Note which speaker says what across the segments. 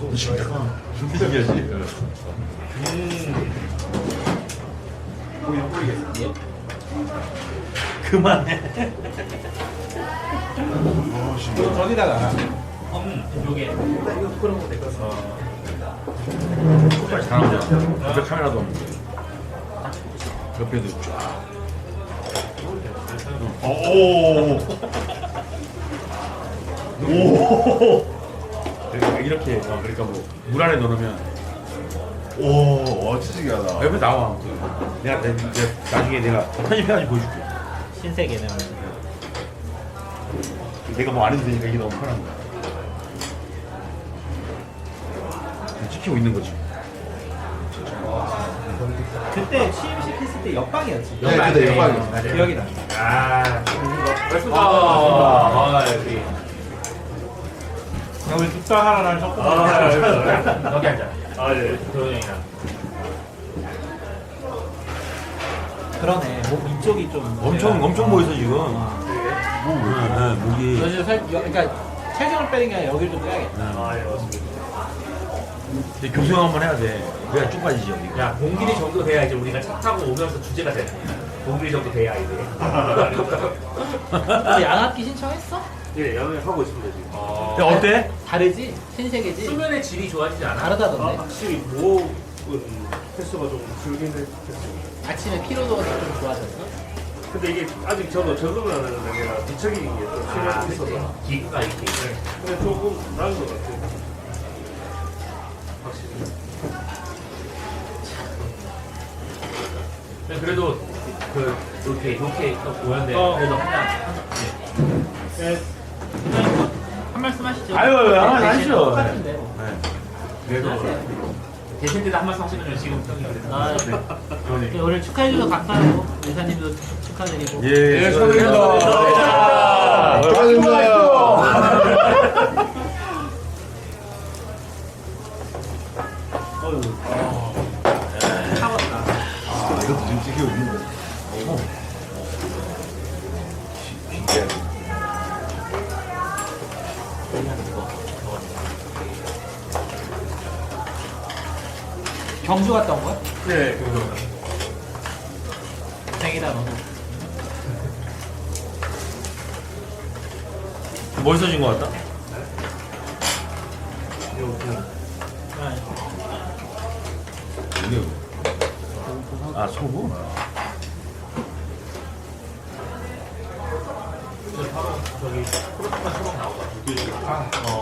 Speaker 1: 신기하지?
Speaker 2: 보이는 뿌리겠어.
Speaker 1: 그만해.
Speaker 2: 이거 저기다가
Speaker 3: 요게
Speaker 2: 이거 부끄러운 거될 것 같아.
Speaker 1: 정말 잘한다. 옆에 카메라도 없는데. 옆에도 쫙. 오. 오. 그러니까 이렇게 그러니까 뭐 물 안에 넣으면
Speaker 4: 오, 치즈기하다.
Speaker 1: 옆에 나와. 내가 나중에 내가 편집해가지고 보여줄게.
Speaker 3: 신세계는
Speaker 1: 내가 뭐 안 해도 되니까 이게 너무 편한 거야. 찍히고 있는 거지.
Speaker 2: 그때 취임시켰을 때 옆방이었지.
Speaker 4: 네, 그때 옆방이었지.
Speaker 2: 맞아. 기억이 나.
Speaker 3: 여기
Speaker 2: 우리 국당 하나랑 섞어.
Speaker 3: 여기 앉아.
Speaker 4: 예.
Speaker 3: 도현이랑.
Speaker 2: 그러네. 목 이쪽이 좀
Speaker 1: 엄청 보이서 지금. 목이.
Speaker 2: 요즘 그러니까 체중을 빼는 게 아니라 여기를 좀 빼야겠다.
Speaker 4: 예, 맞습니다.
Speaker 1: 근데 교정 한번 해야 돼. 그래야 쭉 빠지지 여기.
Speaker 3: 야, 공길이 정도 돼야 이제 우리가 차 타고 오면서 주제가 돼. 공길이 정도 돼야 이제.
Speaker 2: 너 양압기 신청했어?
Speaker 4: 예, 양해 하고 있습니다, 지금.
Speaker 1: 야 어때?
Speaker 2: 다르지? 신세계지?
Speaker 3: 수면의 질이 좋아지지 않아?
Speaker 2: 다르다던데.
Speaker 4: 확실히 무호흡은 횟수가 좀 줄긴 했어요.
Speaker 2: 아침에 피로도가 좀 좋아졌어?
Speaker 4: 근데 이게 아직 저도 적응을 안 하는데 내가 뒤척이는 게좀 시간이 있어서.
Speaker 3: 기구가 이렇게.
Speaker 4: 근데 조금 나은 것 같아요. 확실히.
Speaker 3: 그래도 이렇게 또 보였는데 그래도 한 말씀 하시죠.
Speaker 1: 아유, 한번 하시죠.
Speaker 2: 똑같은데 뭐.
Speaker 3: 그래도 대신 때도 한 말씀 하시면 지금 형이 그래서.
Speaker 2: 네, 오늘 축하해주셔서 감사하고 의사님도 축하드리고
Speaker 1: 예,
Speaker 4: 축하드립니다. 축하드립니다.
Speaker 2: 차갑다.
Speaker 4: 아, 이것도 지금 찍히고 있는데. 신기하네.
Speaker 2: 경주 갔다 온 거야?
Speaker 4: 네,
Speaker 2: 생이다 너도.
Speaker 1: 멋있어진 것 같다. 이게 아 소금?
Speaker 3: 바로 저기 프로토콜 처방 나오고.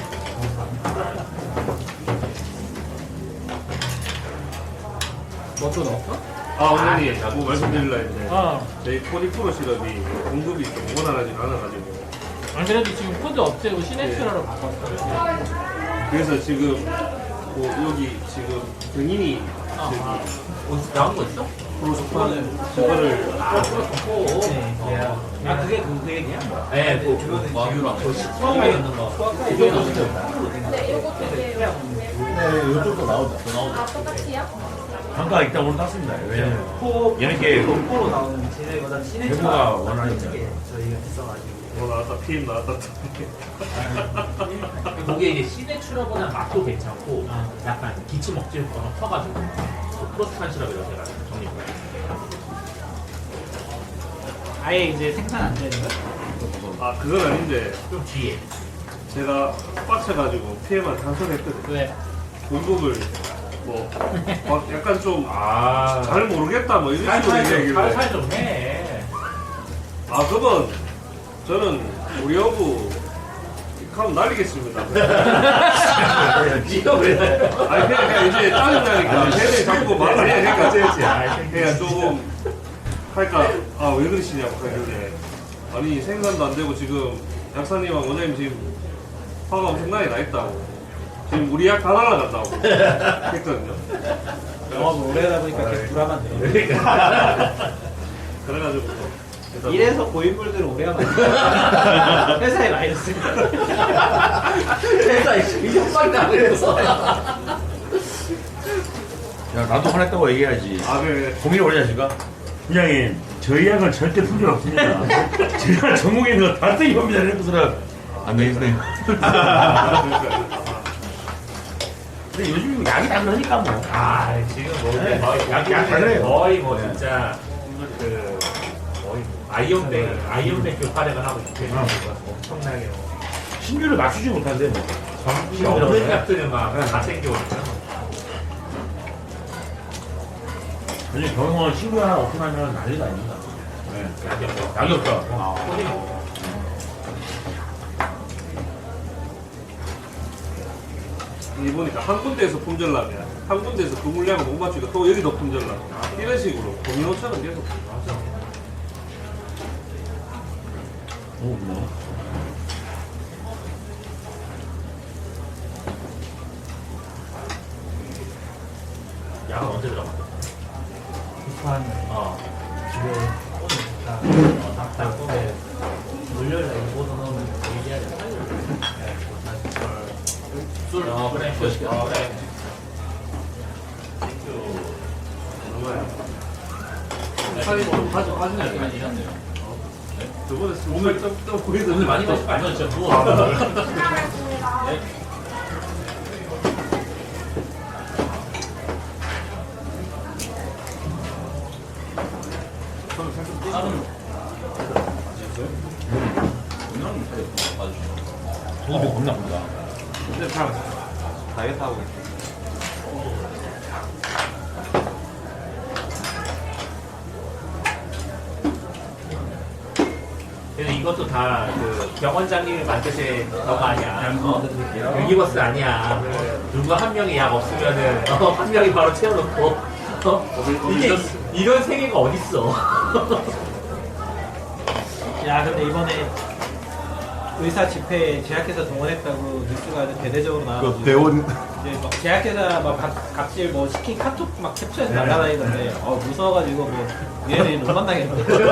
Speaker 2: 뭐또 넣었어?
Speaker 4: 원장님, 뭐 말씀드리려 했는데,
Speaker 2: 어.
Speaker 4: 저희 포니프로 시럽이 공급이 좀 원활하지 않아가지고,
Speaker 2: 안 그래도 지금 코드 없애고 시네츄라로 바꿨어.
Speaker 4: 그래서 지금, 뭐, 여기 지금 병인이
Speaker 3: 어디서 나온 거 있어?
Speaker 4: 프로소판 그거를
Speaker 3: 프로토콜.
Speaker 2: 아 그게 그 얘기야?
Speaker 3: 네, 그 마유랑 저 시청에 있는 거.
Speaker 2: 이거 진짜.
Speaker 5: 네, 요거 두 개요.
Speaker 4: 네, 이쪽도 나오죠.
Speaker 5: 아, 똑같이요?
Speaker 1: 단가 일단 올랐습니다. 왜냐면
Speaker 2: 코
Speaker 1: 얘는 게
Speaker 2: 코로 나오는 진해보다 시네츄
Speaker 1: 배부가 원하니까.
Speaker 2: 저희가 했어가지고.
Speaker 4: 나왔다, PM 나왔다.
Speaker 3: 그게 이제 시네츄러보다 맛도 괜찮고 약간 기침 억지를 퍼가지고 프로스판 시럽이라고 해가지고 정리가.
Speaker 2: 아예 이제 생산 안 되는 거야?
Speaker 4: 아, 그건 아닌데,
Speaker 3: 좀 뒤에.
Speaker 4: 제가 빡쳐가지고 PM한테 한소했거든요.
Speaker 2: 왜?
Speaker 4: 공급을, 뭐, 막 약간 좀,
Speaker 3: 아,
Speaker 4: 잘 모르겠다, 뭐, 이런 식으로 얘기하길래.
Speaker 3: 살살 좀 해.
Speaker 4: 아, 그건, 저는 우리 여부, 하면 날리겠습니다.
Speaker 3: 니가 왜?
Speaker 4: 아니, 그냥 이제 짜증나니까, 걔네 자꾸 말을 해. 그러니까, 그냥 조금, 할까, 아, 왜 그러시냐고 하길래. 아니, 생산도 안 되고, 지금, 약사님하고 원장님 지금, 화가 엄청나게 나 있다고. 지금 우리 약 다 날라간다고. 했거든요.
Speaker 2: 영업을 오래 하다 보니까 계속 불안한데.
Speaker 4: 그래가지고. 일단
Speaker 2: 이래서 고인물들은 오래 하면 안 돼. 회사에 마이너스.
Speaker 3: 회사에 협박이다 그래서.
Speaker 1: 야 나도 화냈다고 얘기해야지.
Speaker 4: 아, 네.
Speaker 1: 고민이 오래 하실까? 부장님 저희 약은 절대 품질 없습니다. 제가 전국에 있는 거다 쓰기 겁니다. 이러고서는 안 되겠네요. 근데 요즘 약이 다 그러니까 뭐.
Speaker 3: 아 지금 뭐
Speaker 1: 네.
Speaker 3: 약
Speaker 1: 다 그래요.
Speaker 3: 거의 뭐 진짜 그 거의 아이언맨 교파력을 하고 있기 때문에 엄청나게 뭐
Speaker 1: 신규를 맞추지 못한대 뭐.
Speaker 3: 정신이 없는 약들을 막 다 챙겨오니까
Speaker 1: 요즘 병원 신규 하나 오픈하면 난리가 아닙니다. 네.
Speaker 3: 약이 없어.
Speaker 1: 약이 없다.
Speaker 3: 코딩이 없어.
Speaker 4: 이 보니까 한 군데에서 품절나면 한 군데에서 그 물량을 못 맞추니까 또 여기도 품절나. 이런 식으로 도미노처럼 계속.
Speaker 3: 맞아.
Speaker 1: 오, 뭐.
Speaker 3: 약은 언제 들어갔어?
Speaker 2: 한
Speaker 3: 어.
Speaker 2: 지금 닭달 꿈에 물려라 이거 넣으면 얘기해야 돼.
Speaker 3: 술. 그래. 그래.
Speaker 4: 살이 좀 가져가시네. 저번에 몸을 좀 보이던데
Speaker 3: 오늘 많이 마실 거 아니야? 진짜 누워.
Speaker 1: 소금이 겁나 본다.
Speaker 4: 근데 참 다이어트 하고 있어.
Speaker 3: 그래서 이것도 다 그 병원장님이 만드신 거가 아니야. 유니버스 아니야. 누구 한 명이 약 없으면은 한 명이 바로 채워놓고 이게 이런 세계가 어딨어?
Speaker 2: 야 근데 이번에 의사 집회에 제약회사 동원했다고 뉴스가 아주 대대적으로 나와가지고
Speaker 6: 그 대원
Speaker 2: 이제 막 제약회사 막 갑질 뭐 시킨 카톡 막 캡처해서 날라다니던데 무서워가지고 뭐 얘네는 못 만나겠는데.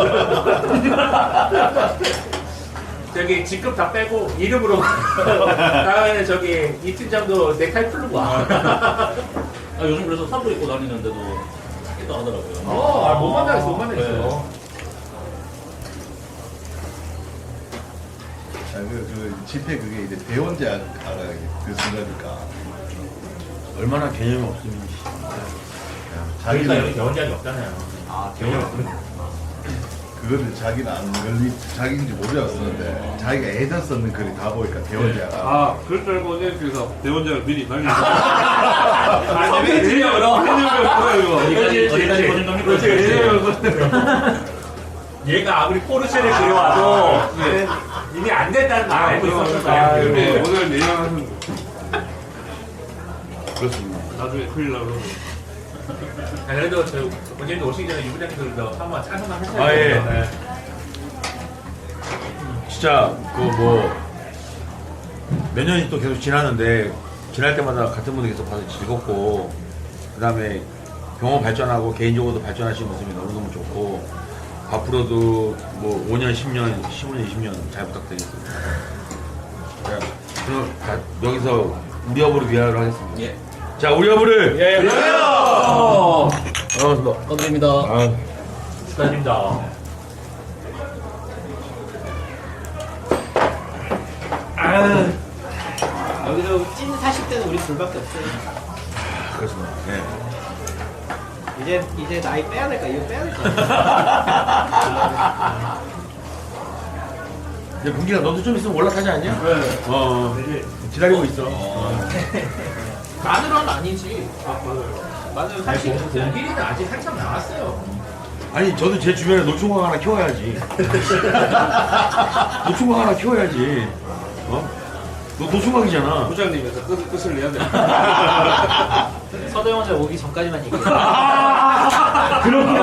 Speaker 3: 저기 직급 다 빼고 이름으로 다음에는 저기 이 팀장도 넥타이 풀고 와.
Speaker 7: 요즘 그래서 사복 입고 다니는데도 찾기도 하더라고요.
Speaker 3: 못 만나겠어, 못 만나겠어.
Speaker 6: 그 집회 그게 이제 대원제약 알아야 그 순간이니까
Speaker 1: 얼마나 개념이 없으면.
Speaker 3: 그러니까 여기
Speaker 6: 자기는
Speaker 3: 병원장이 없잖아요.
Speaker 7: 아, 대원
Speaker 6: 그거를 자기는 안 걸리 자기인지 모르고 쓰는데 자기가 예전 썼는 글이 다 보니까 대원제약
Speaker 4: 아, 그럴 줄 알고 그래서 대원장을 미리 날리고.
Speaker 3: 선배님으로.
Speaker 7: 어디까지 보는 겁니까?
Speaker 3: 얘가 아무리 포르쉐를 그려와도 이게 안 된다는 걸 알고 있었을 거야.
Speaker 4: 근데 오늘 내년하는 거.
Speaker 1: 그렇습니다.
Speaker 4: 나중에 큰일 나고.
Speaker 3: 그래도 저 원장님도 오시기 전에 유부장님들도 한번 짜증만 하셔야
Speaker 1: 아, 예.
Speaker 3: 돼요.
Speaker 1: 진짜 그 뭐 몇 년이 또 계속 지나는데 지날 때마다 같은 분들 계속 봐서 즐겁고 그다음에 병원 발전하고 개인적으로도 발전하시는 모습이 너무너무 좋고 앞으로도 뭐 5년, 10년, 15년, 20년 잘 부탁드리겠습니다. 자, 그럼 여기서 우리 여부를 위하여 하겠습니다.
Speaker 7: 예.
Speaker 1: 자, 우리 여부를 위하여! 반갑습니다.
Speaker 7: 건드립니다.
Speaker 1: 아,
Speaker 3: 축하드립니다.
Speaker 2: 여기서 찐 40대는 우리 둘밖에 없어요.
Speaker 1: 그렇습니다. 네.
Speaker 2: 이제 나이 빼야 될까? 이거 빼야 될까?
Speaker 1: 이제 분기가 너도 좀 있으면 올라가지 않냐? 네. 기다리고 있어.
Speaker 2: 마늘은 아니지. 마늘 사실
Speaker 3: 공길이는 아직 한참 남았어요.
Speaker 1: 아니, 저도 제 주변에 노충광 하나 키워야지. 노충광 하나 키워야지. 어? 너 노충광이잖아.
Speaker 4: 부장님에서 끝을 내야 돼.
Speaker 2: 서도영 원장 오기 전까지만 얘기해.
Speaker 1: 그렇구나.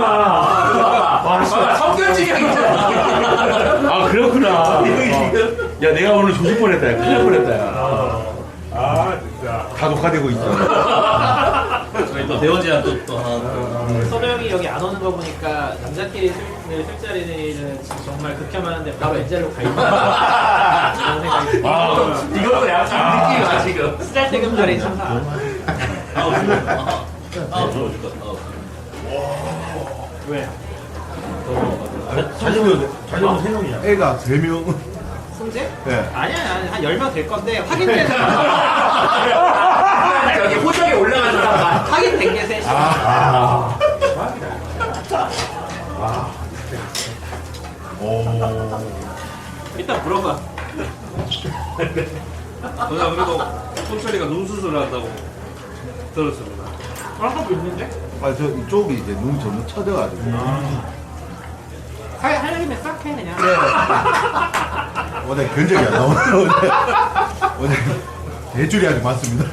Speaker 3: 성견지경이잖아.
Speaker 1: 아, 그렇구나. 야, 내가 오늘 조질 뻔했다. 야. 큰일 날 뻔했다. 야.
Speaker 3: 아 진짜.
Speaker 1: 다 녹화되고 있어.
Speaker 7: 저희 또 대원제약 또 하나.
Speaker 2: 서도영이 여기 안 오는 거 보니까 남자끼리 술자리는 정말 극혐하는데 바로 엔젤로 가 있다. 그런 생각이 듭니다.
Speaker 3: 이것도 약간 느낌이 와 지금.
Speaker 2: 쓰잘데기 자리 참사.
Speaker 7: 들어오실 것 같아.
Speaker 2: 왜?
Speaker 1: 자전거 3명이잖아.
Speaker 6: 애가 3명
Speaker 2: 승재?
Speaker 6: 예.
Speaker 2: 아니야, 한 10명 될 건데 확인되는
Speaker 3: 여기 호주
Speaker 4: 들어가. 그냥 그래도 손철이가 눈 수술을 한다고 들었습니다.
Speaker 3: 하고 있는데?
Speaker 6: 아, 저 이쪽이 이제 눈 전부 쳐져가지고.
Speaker 2: 하려면 싹 해 그냥.
Speaker 6: 오늘 견적이 안 나오네. 오늘 대출이 아주 많습니다.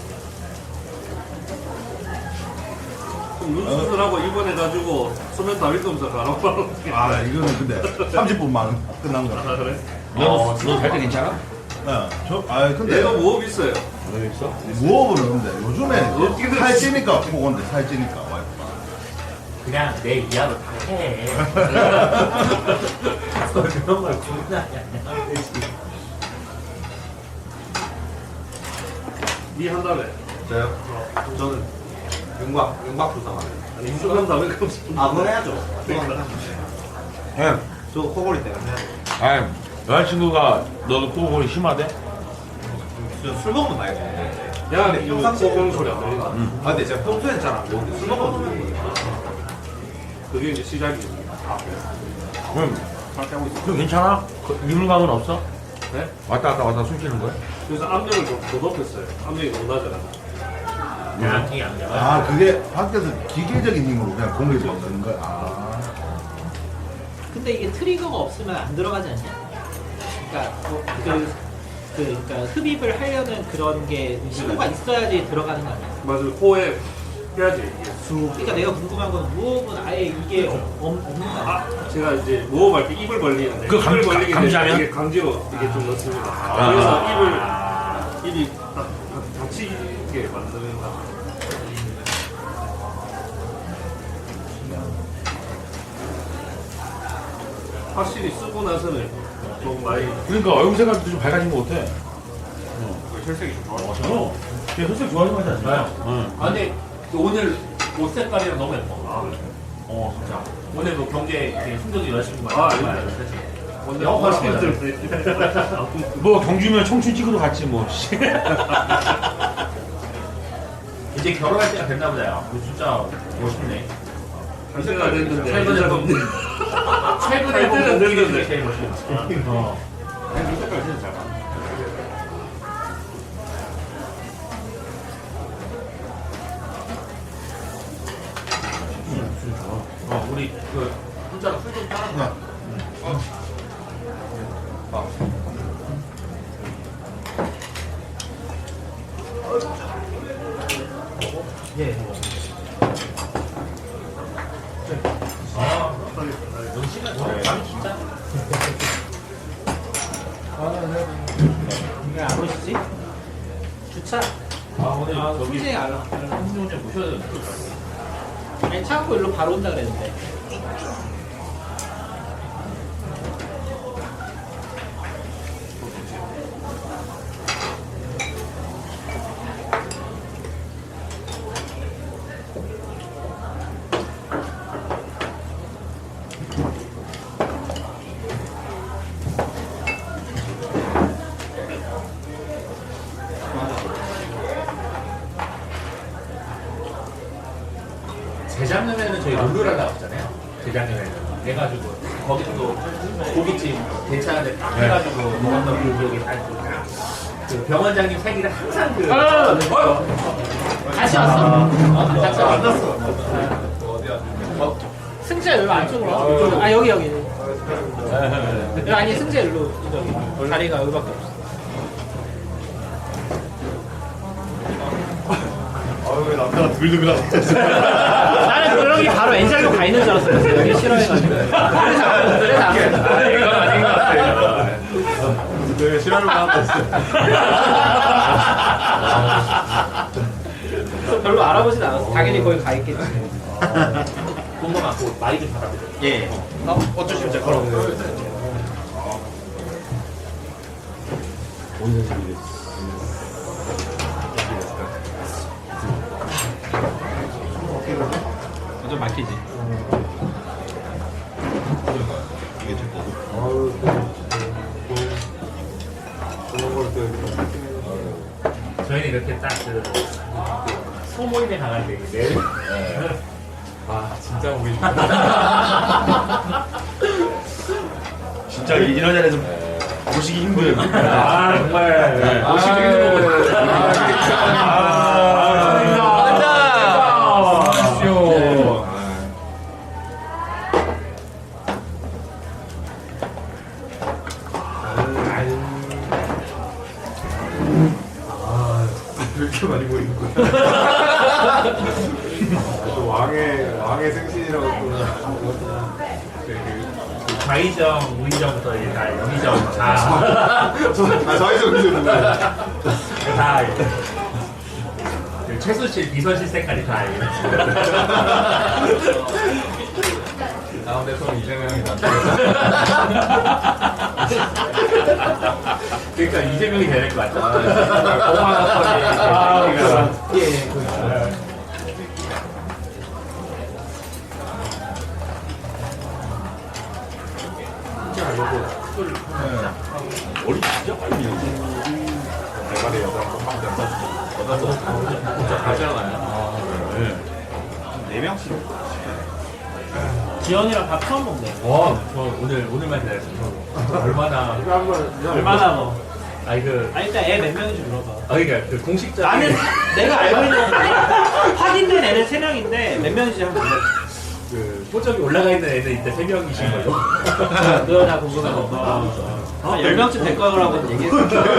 Speaker 4: 그럼 눈 수술하고 입원해가지고 소면 다릴 거면서 가라고.
Speaker 6: 아, 이거는 근데 30분만 끝난
Speaker 4: 아,
Speaker 6: 거야.
Speaker 4: 그래?
Speaker 1: 너갈때 괜찮아?
Speaker 6: 근데
Speaker 4: 얘가 무업 있어요.
Speaker 1: 너 있어?
Speaker 6: 무업은 근데 요즘에
Speaker 4: 어떻게 됐어?
Speaker 6: 살찌니까 보건데 살찌니까 와이프가.
Speaker 3: 그냥 내 이하로 다 해. 그런 걸 구분하냐.
Speaker 4: 니 한다며.
Speaker 8: 저요? 저는 윤곽 조사만.
Speaker 4: 아니 수면 다음에 그럼
Speaker 8: 아, 그건 해야죠.
Speaker 1: 형,
Speaker 8: 저 코골이 때문에 해야죠.
Speaker 1: 아니 여자친구가 너도 코골이 심하대?
Speaker 8: 저술 먹으면 많이 돼.
Speaker 4: 야,
Speaker 8: 근데
Speaker 4: 평상시 그런 소리 안
Speaker 8: 들린다.
Speaker 4: 들린다.
Speaker 8: 아, 근데 제가 평소엔 잘 안 먹는데 술 먹으면 좀 먹거든요.
Speaker 4: 그게 이제 시작이지.
Speaker 1: 그럼 괜찮아? 이물감은 없어?
Speaker 4: 네?
Speaker 1: 왔다 갔다 숨 쉬는 거야?
Speaker 4: 그래서 압력을 좀 더 높였어요. 압력이 너무 낮아요.
Speaker 3: 양이 안 돼.
Speaker 6: 아, 그게 밖에서 기계적인 힘으로 그냥 공격이 되는 거야. 아.
Speaker 2: 근데 이게 트리거가 없으면 안 들어가지 않냐? 그러니까 그러니까 흡입을 하려는 그런 게 신호가 있어야지 들어가는 거 아니야?
Speaker 4: 맞아요. 코에 해야지. 이게 쑥.
Speaker 2: 그러니까 내가 궁금한 건 무호흡은 아예 이게 없는 거 아니야?
Speaker 4: 아, 제가 이제 무호흡할 때 입을 벌리는데
Speaker 1: 그
Speaker 4: 입을 벌리기
Speaker 1: 감지하면?
Speaker 4: 이게 강제로 이게 좀 넣습니다. 그래서 입이 닫히게 만드는 거. 확실히 쓰고 나서는 좀 많이
Speaker 1: 그러니까 얼굴 색깔도 좀 밝아진 거 같아.
Speaker 4: 혈색이 좀 좋아요.
Speaker 1: 걔 혈색 좋아하는 거 같지 않나요? 응.
Speaker 3: 아, 근데 오늘 옷 색깔이랑 너무 예뻐. 진짜. 오늘 뭐 경제 순정이 여자친구
Speaker 4: 아,
Speaker 3: 많이
Speaker 4: 아닙니다.
Speaker 3: 오늘
Speaker 4: 영화를
Speaker 1: 뭐 경주면 청춘 찍으러 갔지 뭐.
Speaker 3: 이제 결혼할 때가 됐나 보다. 야. 이거 진짜 멋있네.
Speaker 4: 할 때가 됐는데
Speaker 3: 최근에 본 최근에
Speaker 4: 할 때는
Speaker 3: 본
Speaker 4: 됐는데.
Speaker 3: 웃기는 게 제일 멋있어.
Speaker 1: 이 색깔 진짜 잘 나.
Speaker 3: 우리 그 혼자로 술좀 따라.
Speaker 2: 예. 왜 안 오시지? 주차.
Speaker 3: 오늘 저기
Speaker 2: 솔직히 안 와.
Speaker 3: 한승훈 좀 모셔야 되는데.
Speaker 2: 아니 차 갖고 일로 바로 온다 그랬는데.
Speaker 3: 재작년에는 저희 룰루랄 나왔잖아요. 재작년에는. 해가지고 거기도 고깃집 괜찮은데 딱 해가지고 먹었던 그 기억이 다 있고. 그 병원장님 생일에 항상 그
Speaker 2: 다시 왔어.
Speaker 3: 같이 왔어.
Speaker 2: 승재 일로 안쪽으로 와. 아 여기. 아니 승재 일로 저기 다리가 여기밖에 없어.
Speaker 6: 왜 남자가 두글두글하게.
Speaker 2: 나는 그런 게 바로 엔젤로 가 있는 줄 알았어요. 여기 싫어해가지고. 그래서 안 했어.
Speaker 1: 이건 아닌 것 같아.
Speaker 6: 네, 싫어하는 거 하고 있어.
Speaker 2: 별로 알아보진 않았어. 당연히 거기 가 있겠지.
Speaker 3: 공부 많고 많이 좀 받아들여.
Speaker 8: 예. 어쩌시면 제가 걸어.
Speaker 1: 좀 막히지.
Speaker 3: 저희는 이렇게 딱 그 소모임에 나갈 때 내일 아 진짜 우리
Speaker 1: 진짜 이런 자리에서
Speaker 6: 보시기 힘든.
Speaker 3: 아 정말 오시기 힘든 거거든요.
Speaker 8: 이렇게 많이 보이는 거야. 또 왕의 생신이라고 또.
Speaker 3: 좌의정, 우의정부터 이제 다 영의정 다
Speaker 8: 저희도 그죠 누구야?
Speaker 3: 다 최순실, 비서실 색깔이 다
Speaker 8: 가운데 손 이재명이다.
Speaker 3: 그러니까 이재명이 되는 것 같아. 고마워.
Speaker 2: 예,
Speaker 6: 머리 진짜 빨리 밀지.
Speaker 8: 대가리 여자 한번만
Speaker 3: 진짜 가잖아요.
Speaker 8: 네 명씩.
Speaker 2: 지연이랑 밥 처음 먹네.
Speaker 3: 저 오늘만 기다렸어요.
Speaker 2: 얼마나 뭐.
Speaker 3: 아니
Speaker 2: 일단 애 몇 명인지 물어봐.
Speaker 3: 그러니까 그 공식적인
Speaker 2: 나는 내가 알고 있는 건 확인된 애는 3명인데 몇 명인지 한번 물어봐.
Speaker 3: 그 포적이 올라가 있는 애는 이때 3명이신 거죠?
Speaker 2: 그거 다 궁금하고. 10명쯤 될 거라고 얘기했어.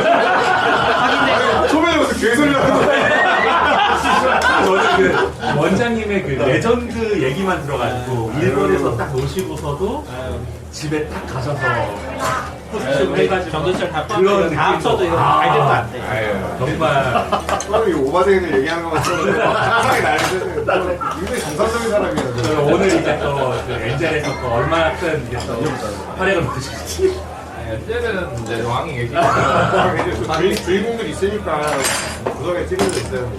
Speaker 2: 확인된
Speaker 8: 초면에 무슨 개소리 하는 거야?
Speaker 3: 저는 그 원장님의 그 레전드 얘기만 들어가지고 일본에서 딱 노시고서도 집에 딱 가셔서 포스팅 해가지고
Speaker 2: 정도철 다
Speaker 3: 그런
Speaker 2: 포함해서 다 합쳐도 이거 알겠도 안 돼.
Speaker 3: 정말
Speaker 8: 사람이 오바생을 얘기하는 것만 들었는데 상상이 나는데 굉장히 정상적인 사람이야.
Speaker 3: 저는 오늘 이제 또그 엔젤에서 또 얼마나 큰 이제 또 활약을 보실지
Speaker 8: 때는 이제 왕이 계시니까 주인공들이 있으니까 구석에 찌르져 있어요.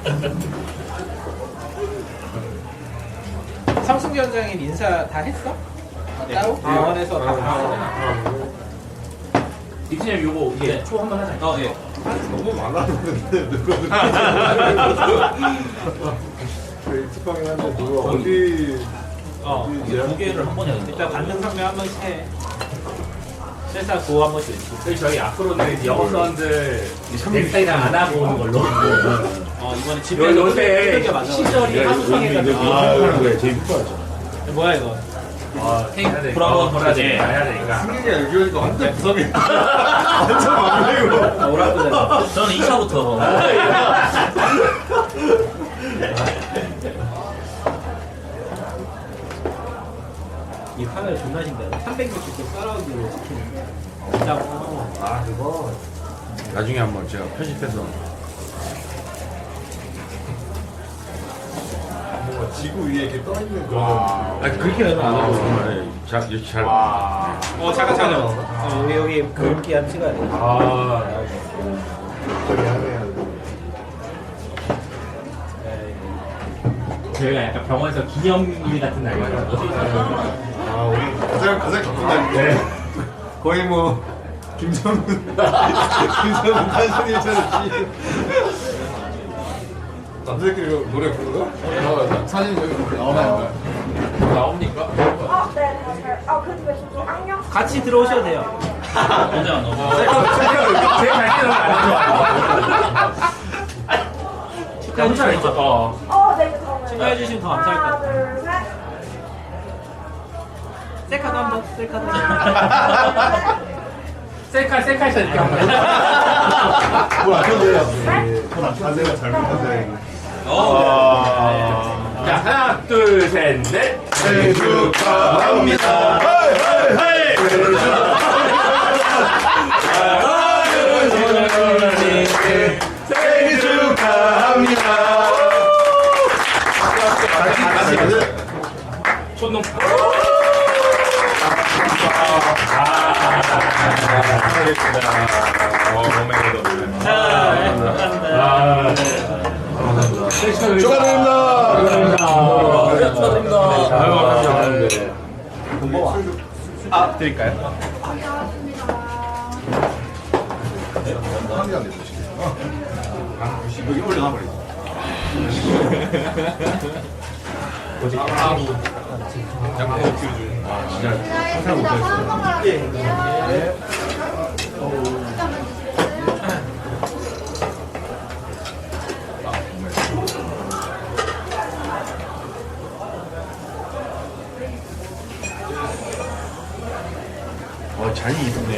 Speaker 2: 삼승 위원장님 인사 다 했어? 따로? 병원에서 다 봤어?
Speaker 3: 이진님 요거 이게 초 한번 하자.
Speaker 2: 예.
Speaker 8: 너무 많았는데 누가 익숙하긴 한데 누가 어디
Speaker 2: 두 개를 한 번에 일단 받는 상명 한 번씩 해. 실사 구호 한 번씩 외치고.
Speaker 3: 그래서 저희 앞으로는 이제 영어 사원들 넥타이랑 안 하고 오는 걸로.
Speaker 2: 이번에 집에서
Speaker 3: 요새
Speaker 2: 두들겨 맞아.
Speaker 3: 시절이 한국에가지고
Speaker 6: 거야 제일 이뻐하죠.
Speaker 2: 뭐야 이거?
Speaker 3: 브라보 돌아지 해야 되니까.
Speaker 8: 승객이 알기로니까 완전 구석에 완전 막내고
Speaker 2: 오라고
Speaker 7: 저는 2차부터
Speaker 2: 이 카메라 존나 신기하다. 360도 서라운드로 찍히는. 진짜
Speaker 8: 그거
Speaker 1: 나중에 한번 제가 편집해서
Speaker 8: 뭔가 지구 위에 이렇게 떠 있는 그런.
Speaker 1: 아니 그렇게 하면 안 하고 정말 이렇게 잘
Speaker 2: 잠깐. 여기 굵기 한 찍어야 돼.
Speaker 3: 저희가 약간 병원에서 기념일 같은 날이거든요.
Speaker 8: 우리 가장 기쁜 날인데 거의 뭐 김정은 탄신일처럼 남자끼리 노래 부르나? 사진 여기 나오나요?
Speaker 3: 나옵니까?
Speaker 5: 네, 맞아요. 그 집에 저기 악령.
Speaker 2: 같이 들어오셔도 돼요.
Speaker 7: 언제 안 오고
Speaker 3: 제 갈때는 안 좋아요.
Speaker 2: 축하해 주시면
Speaker 5: 네, 저는.
Speaker 2: 축하해 주시면 더 감사할 것
Speaker 5: 하나,
Speaker 2: 같아요.
Speaker 5: 둘, 셋.
Speaker 2: 셀카도 한번 셀카도.
Speaker 3: 셀카 이렇게 한번.
Speaker 6: 뭐안 켜져요. 자세가 잘못한
Speaker 3: 자 하나 둘 셋 넷.
Speaker 6: 생일 축하합니다. 생일 축하합니다.
Speaker 3: 손놈.
Speaker 1: 축하드립니다. 드릴까요?
Speaker 6: 한개안 드시겠어요?
Speaker 8: 여기 올려놔버리자.
Speaker 1: 진짜 상상 못했어요. 잔이 이쁘네.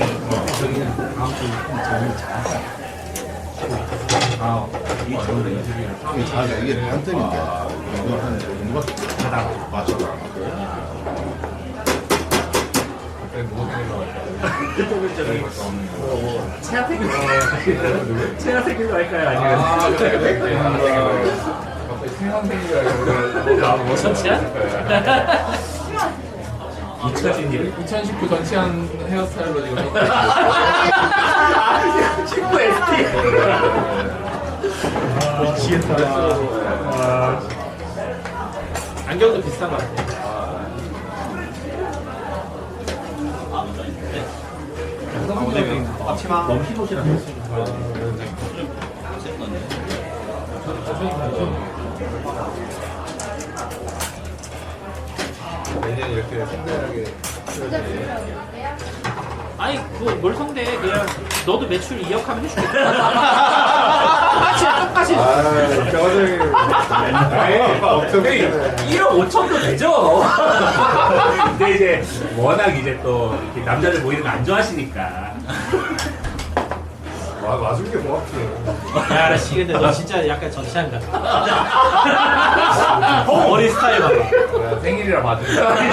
Speaker 6: 이게 자기가 이게 단점인데 이거 한 정도밖에 맞춰.
Speaker 3: 체가 생긴 할까요? 아니면 잊혀진 일.
Speaker 9: 2019 전치한 헤어스타일로 지금
Speaker 3: 친구 ST.
Speaker 2: 안경도 비슷한 것 같아.
Speaker 1: 앞치마 너무 흰옷이 났어.
Speaker 8: 내년 이렇게 성대하게
Speaker 2: 아니 그뭘 성대 그냥 너도 매출 2억 하면 해줄게. 똑같이.
Speaker 8: 병원장이
Speaker 3: 1억 5천도 되죠. 근데 이제 워낙 이제 또 이렇게 남자들 모이는 거 안 좋아하시니까.
Speaker 8: 와준 게 고맙지.
Speaker 2: 야, 나 씨, 근데 너 진짜 약간 전시한 같아. 머리 스타일 봐.
Speaker 9: 생일이라 봐줘.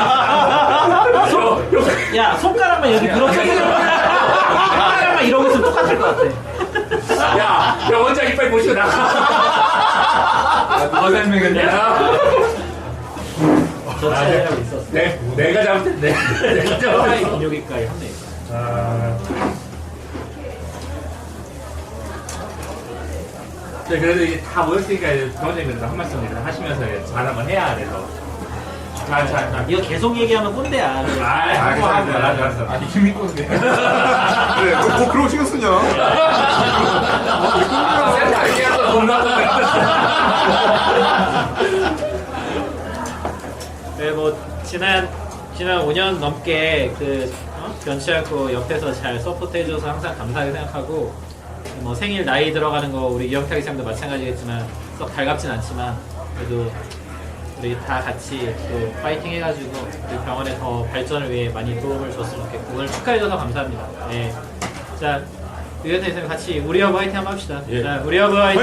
Speaker 2: 야, 손가락만 여기 그렇게. 손가락만 이러고 있으면 똑같을 것 같아.
Speaker 3: 야, 병원장 이빨 보시고 나가.
Speaker 9: 누가 설명했냐?
Speaker 2: 전시하라고 있었어.
Speaker 3: 내가 잘못했네. 내가
Speaker 2: 스타일
Speaker 3: 잘못했어.
Speaker 2: 비뇨기과에 한 명 있어.
Speaker 3: 네, 그래도 이제 다 모였으니까 병원장님께서 한 말씀 하시면서 잘 한번 해야 돼서. 잘.
Speaker 2: 이거 계속 얘기하면 꼰대야.
Speaker 3: 알았어.
Speaker 9: 아니 이미 꼰대.
Speaker 8: 그래, 뭐 그러고 신경 쓰냐?
Speaker 9: 센터 얘기해서 돈 나가.
Speaker 2: 네, 뭐 지난 5년 넘게 변치 않고 옆에서 잘 서포트해줘서 항상 감사하게 생각하고 뭐 생일 나이 들어가는 거 우리 이영탁이 쌤도 마찬가지겠지만 썩 달갑진 않지만 그래도 우리 다 같이 또 파이팅 해가지고 우리 병원의 더 발전을 위해 많이 도움을 줬으면 좋겠고 오늘 축하해줘서 감사합니다. 네. 자, 이영탁 쌤 같이 우리 허브 화이팅 한번 합시다.
Speaker 1: 예.
Speaker 2: 자, 우리 허브 화이팅!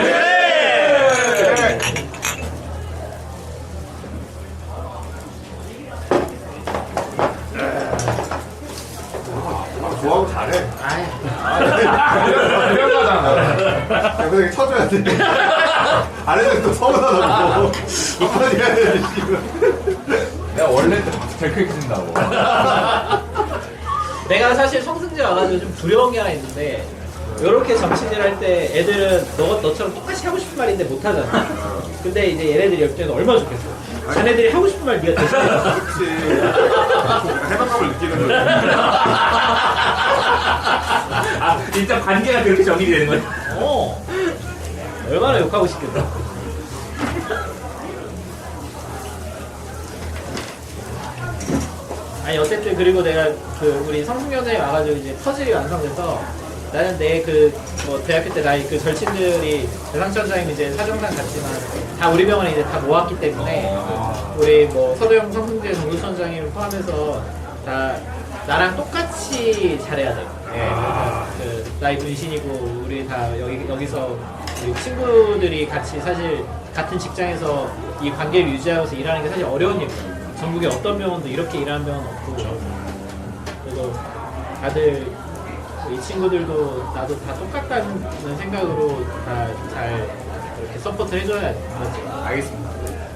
Speaker 8: 좋아하고 잘해.
Speaker 9: 유명하잖아.
Speaker 8: 근데 이게 쳐줘야 돼. 안 해도 또 서운하다고. 한마디 해야 돼, 지금.
Speaker 9: 내가 원래 때 박수 제일 크게 친다고.
Speaker 2: 내가 사실 성승재 와가지고 좀 두려운 게 하나 있는데 이렇게 정치질 할 때 애들은 너처럼 똑같이 하고 싶은 말인데 못하잖아. 근데 이제 얘네들이 옆 때는 얼마나 좋겠어. 자네들이 하고 싶은 말 네가 대신해.
Speaker 8: 그렇지. 약간 해방감을 느끼는 거지.
Speaker 3: 아, 일단 관계가 그렇게 정립이 되는 거야.
Speaker 2: 얼마나 욕하고 싶겠다. 아니 어쨌든 그리고 내가 우리 성승여자에 와가지고 이제 퍼즐이 완성돼서 나는 내 뭐 대학교 때 나이 절친들이 대상천장님 이제 사정상 같지만 다 우리 병원에 이제 다 모았기 때문에 우리 뭐 서도영 성승재 정교천장님 포함해서 다 나랑 똑같이 잘해야 돼. 나이 분신이고 우리 다 여기서 우리 친구들이 같이 사실 같은 직장에서 이 관계를 유지하면서 일하는 게 사실 어려운 일이야. 전국에 어떤 병원도 이렇게 일하는 병원은 없고 그리고 다들 이 친구들도 나도 다 똑같다는 생각으로 다 잘 이렇게 서포트 해줘야 돼. 맞지?
Speaker 8: 알겠습니다.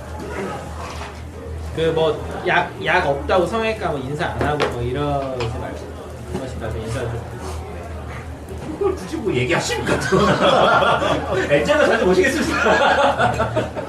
Speaker 2: 뭐 약 없다고 성형외과 뭐 인사 안 하고 뭐 이러지 말고 한 번씩 나도 인사 좀.
Speaker 3: 그걸 굳이 뭐 얘기하십니까 또. 엔젤로 자주 모시겠습니다.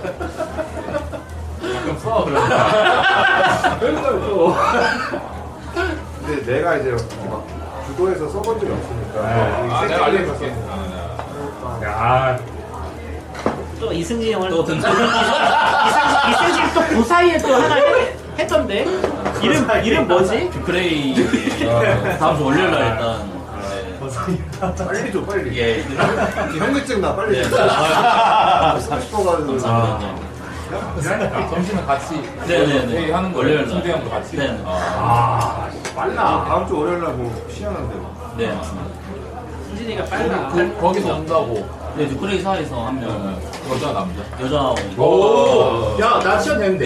Speaker 9: 가끔 써 그러니까.
Speaker 3: 그걸 또.
Speaker 8: 근데 내가 이제 막 주도해서 써본 적이 없으니까.
Speaker 9: 내가 알려줄게.
Speaker 3: 야,
Speaker 2: 또 이승진 형을
Speaker 7: 또 등장.
Speaker 2: 이승진 또 그 사이에 또 하나 했던데 이름 뭐지?
Speaker 7: 뷰크레이 다음 주 월요일 날 일단
Speaker 8: 빨리 줘 빨리.
Speaker 7: 예.
Speaker 8: 현금증 나 빨리
Speaker 7: 네.
Speaker 8: 줘. 30도 가지고.
Speaker 7: 감사합니다.
Speaker 9: 그러니까 점심은 같이
Speaker 7: 네네네.
Speaker 9: 회의 하는
Speaker 7: 월요일
Speaker 9: 거예요.
Speaker 7: 날.
Speaker 9: 승대 형도 같이.
Speaker 7: 네.
Speaker 9: 빨라.
Speaker 8: 다음 주 월요일 날뭐 시연한데 뭐.
Speaker 7: 네, 맞습니다.
Speaker 2: 승진이가 빨라.
Speaker 9: 거기서 온다고.
Speaker 7: 네, 뉴크레이 사에서 한 명,
Speaker 9: 여자 남자.
Speaker 7: 여자
Speaker 3: 오, 야, 나 시험 되는데.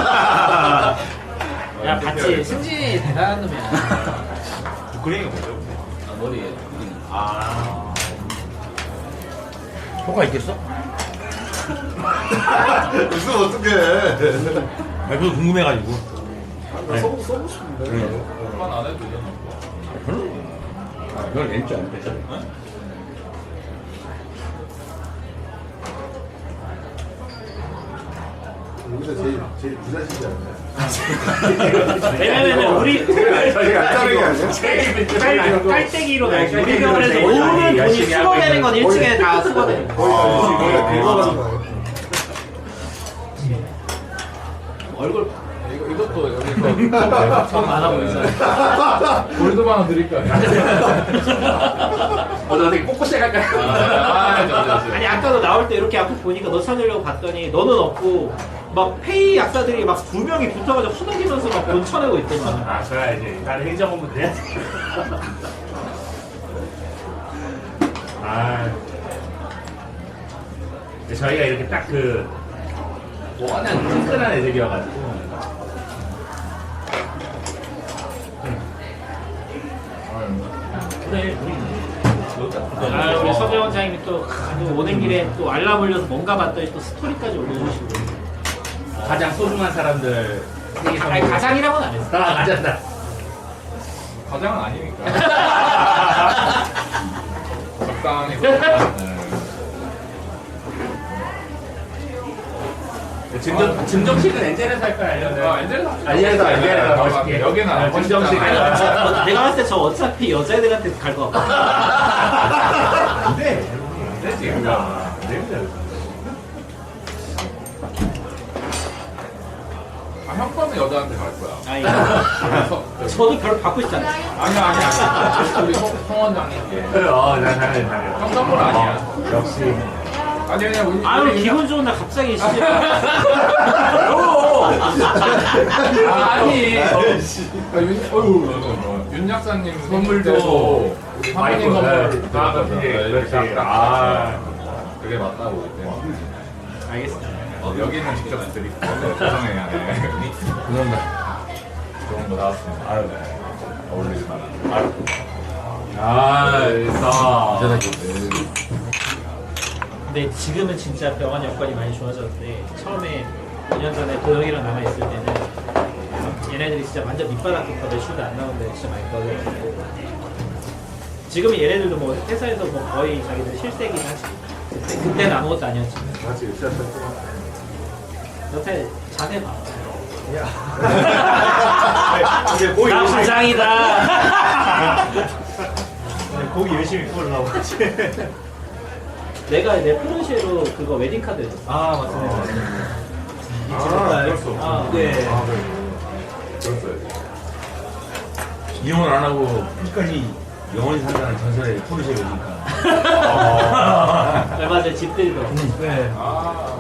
Speaker 2: 야 봤지. 승진이 대단한 놈이야.
Speaker 1: 우크레이가 뭐죠?
Speaker 7: 머리에.
Speaker 1: 효과 있겠어?
Speaker 8: 무슨 어떡해.
Speaker 1: 아, 그거 궁금해가지고.
Speaker 8: 나 써보고 싶은데.
Speaker 9: 그만 안 해도 되잖아.
Speaker 1: 그걸 낸줄 알았대.
Speaker 8: 여기서 제일 부자시지 않나요?
Speaker 2: 왜냐면은 우리
Speaker 8: 저희가 안 자르는 게 아니야?
Speaker 2: 깔때기로 나지. 우리 병원에서 모든 돈이 수거되는 건 1층에 다 수거돼.
Speaker 8: 거기가 긁어가는 거 아니야?
Speaker 2: 얼굴
Speaker 9: 이것도 여기서
Speaker 2: 참 많아 보이잖아.
Speaker 9: 골드만 원 드릴 거야.
Speaker 3: 너 되게 꼿꼿이 갈까요?
Speaker 2: 아니 아까도 나올 때 이렇게 앞에 보니까 너 찾으려고 봤더니 너는 없고 막 페이 약사들이 막 2명이 붙어가지고 후덕이면서 막 돈 쳐내고 있더만.
Speaker 3: 아, 그래야지. 나는 행정업무 돼야지. 아. 근데 저희가 이렇게 딱 워낙 끈끈한 애들이어가지고. 그래,
Speaker 2: 아 우리 서재 원장님이 또 오는 길에 또 알람 울려서 뭔가 봤더니 또 스토리까지 올려주시고.
Speaker 3: 가장 소중한 사람들 생일 선물.
Speaker 2: 아니 가장이라고는 안 했어.
Speaker 3: 아, 맞았다.
Speaker 9: 과장은 아니니까. 적당히.
Speaker 3: 증정식은 엔젤에서 할 거야, 아니면? 엔젤에서 멋있게.
Speaker 9: 여기는 안
Speaker 3: 증정식.
Speaker 9: 멋있잖아.
Speaker 2: 내가 봤을 때 저 어차피 여자애들한테 갈 것 같아.
Speaker 3: 안 돼. 안 되지. 안 됩니다.
Speaker 9: 형 거는 여자한테 갈 거야.
Speaker 2: 아니 저도 별로 받고 싶지 않아.
Speaker 9: 아니야. 우리 송 원장님께.
Speaker 3: 나 잘해.
Speaker 9: 형 선물 아니야.
Speaker 3: 역시.
Speaker 9: 아니 그냥 우리
Speaker 2: 아유 기분 좋은 날 갑자기 시집.
Speaker 9: 아니. 윤 약사님 선물도 우리 사모님 선물
Speaker 3: 그렇지.
Speaker 9: 그게 맞다고 그때.
Speaker 2: 알겠습니다.
Speaker 9: 여기는 직접 드릴게요. 죄송해요.
Speaker 1: 그런다.
Speaker 9: 좋은 거 나왔습니다. 아유, 어울리지 마라.
Speaker 2: 근데 지금은 진짜 병원 여건이 많이 좋아졌는데 처음에 2년 전에 도영이랑 남아있을 때는 얘네들이 진짜 완전 밑바닥부터 매출도 안 나오는데 진짜 많이 떨어졌고 지금은 얘네들도 뭐 회사에서 뭐 거의 자기들 실세긴 하지. 그때는 아무것도 아니었지.
Speaker 8: 같이 으쌰으쌰.
Speaker 2: 여태 자세 봐.
Speaker 8: 이제 고기
Speaker 2: 나 부장이다.
Speaker 8: 고기 열심히 구우려고 하지.
Speaker 2: 내가 내 포르쉐로 그거 웨딩 카드 줬어.
Speaker 8: 아 맞습니다. 그랬어.
Speaker 2: 아, 네.
Speaker 8: 그랬어요.
Speaker 1: 이혼을 안 하고 끝까지 영원히 산다는 전설의 포르쉐 웨딩카.
Speaker 2: 얼마 전에 집 들고.
Speaker 8: 네.
Speaker 9: 아,